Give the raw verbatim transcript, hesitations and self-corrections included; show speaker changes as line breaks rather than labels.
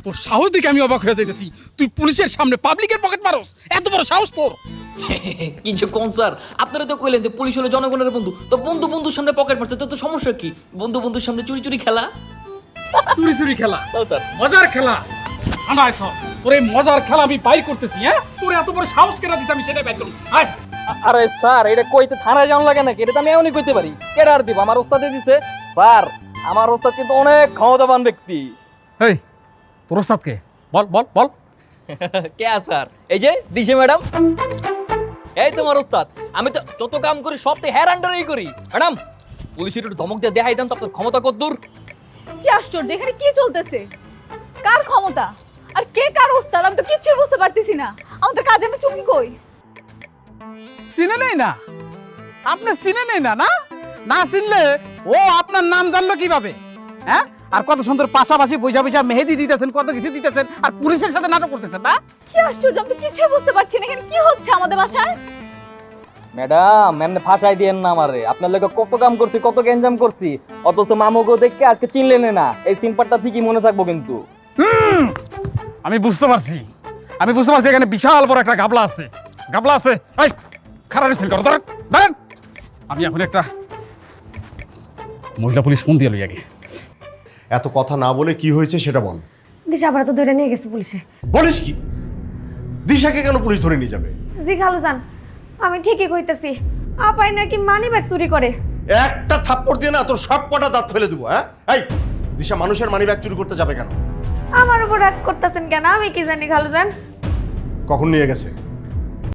তোর সাহস দেখে আমি অবাক হয়ে যাইতেছি, তুই পুলিশের সামনে পাবলিকের পকেট মারস, এত বড় সাহস তোর?
কিছু কোন স্যার, আপনারা তো কইলেন যে পুলিশ হলো জনগণের বন্ধু, তো বন্ধু বন্ধুর সামনে পকেট মারছে তো তো সমস্যা কি? বন্ধু বন্ধুর সামনে চুরি চুরি খেলা।
চুরি চুরি খেলা?
স্যার
মজার খেলা? আনাইছ তোর এই মজার খেলা আমি বাইর করতেছি। হ্যাঁ, তোর এত বড় সাহস কেন দিতে আমি সেটাই বাইর করব। আয়
আরে স্যার, এটা কইতে থানায় যাওয়া লাগে নাকি? এটা তো আমি এমনই কইতে পারি। কেডা আর দিব? আমার ওস্তাদে দিছে। স্যার আমার ওস্তাদ কিন্তু অনেক ক্ষমতাবান ব্যক্তি।
এই তোর ওস্তাদ কে? বল বল বল।
কে স্যার? এই যে দিশে ম্যাডাম, এই তোমার ওস্তাদ। আমি তো যত কাম করি সব তো হেয়ার আন্ডারেই করি। ম্যাডাম পুলিশের একটু ধমক দিয়ে দেখাই দেন তো আপনার ক্ষমতা কত দূর।
কি আশ্চর্য, এখানে কি চলতেছে? কার ক্ষমতা আর কে কার ওস্তাদ আমি তো কিছুই বুঝতে পারতেছি না। আমাদের কাজে আমি চুকি কই?
চিনে নেই না আপনি? চিনে নেই না? না না চিনলে ও আপনার নাম জানলো কিভাবে? হ্যাঁ, আর কত সুন্দর পাশাপাশি বৈশা বৈশা মেহেদি দিতেছেন, কত কিছু দিতেছেন, আর পুলিশের সাথে নাটক করতেছেন না?
কি আশ্চর্য, আমি তো কিছুই বুঝতে পারছি না এখানে কি হচ্ছে আমাদের বাসায়।
ম্যাডাম এমনি ফাঁসাই দিয়েন না আমারে। আপনার লোক কত কাম করছি, কত গ্যাঞ্জাম করছি, অথচ মামুগো দেখে আজকে চিনলেন না। এই সিম্পারটা ঠিকই মনে থাকবো কিন্তু।
হুম, আমি বুঝতে পারছি, আমি বুঝতে পারছি এখানে বিশাল বড় একটা গাবলা আছে। গাবলা আছে। এই খারাপ রিসিল করো, দাঁড়ান দাঁড়ান। আমি এখন একটা মহিলা পুলিশ ফোন দিয়ে লই আগে।
এত কথা না বলে কি হয়েছে সেটা বল।
দিশা আবার তো ধরে নিয়ে গেছে পুলিশে।
বলিস কি? দিশাকে কেন পুলিশ ধরে নিয়ে যাবে?
জি খালুজান, আমি ঠিকই কইতেছি, আপাই নাকি মানি ব্যাগ চুরি করে।
একটা থাপ্পড় দিয়ে না তোর সব কটা দাঁত ফেলে দেবো। হ্যাঁ, এই দিশা মানুষের মানি ব্যাগ চুরি করতে যাবে কেন?
আমার উপর রাগ করতেছেন কেন? আমি কি জানি খালুজান।
কখন নিয়ে গেছে?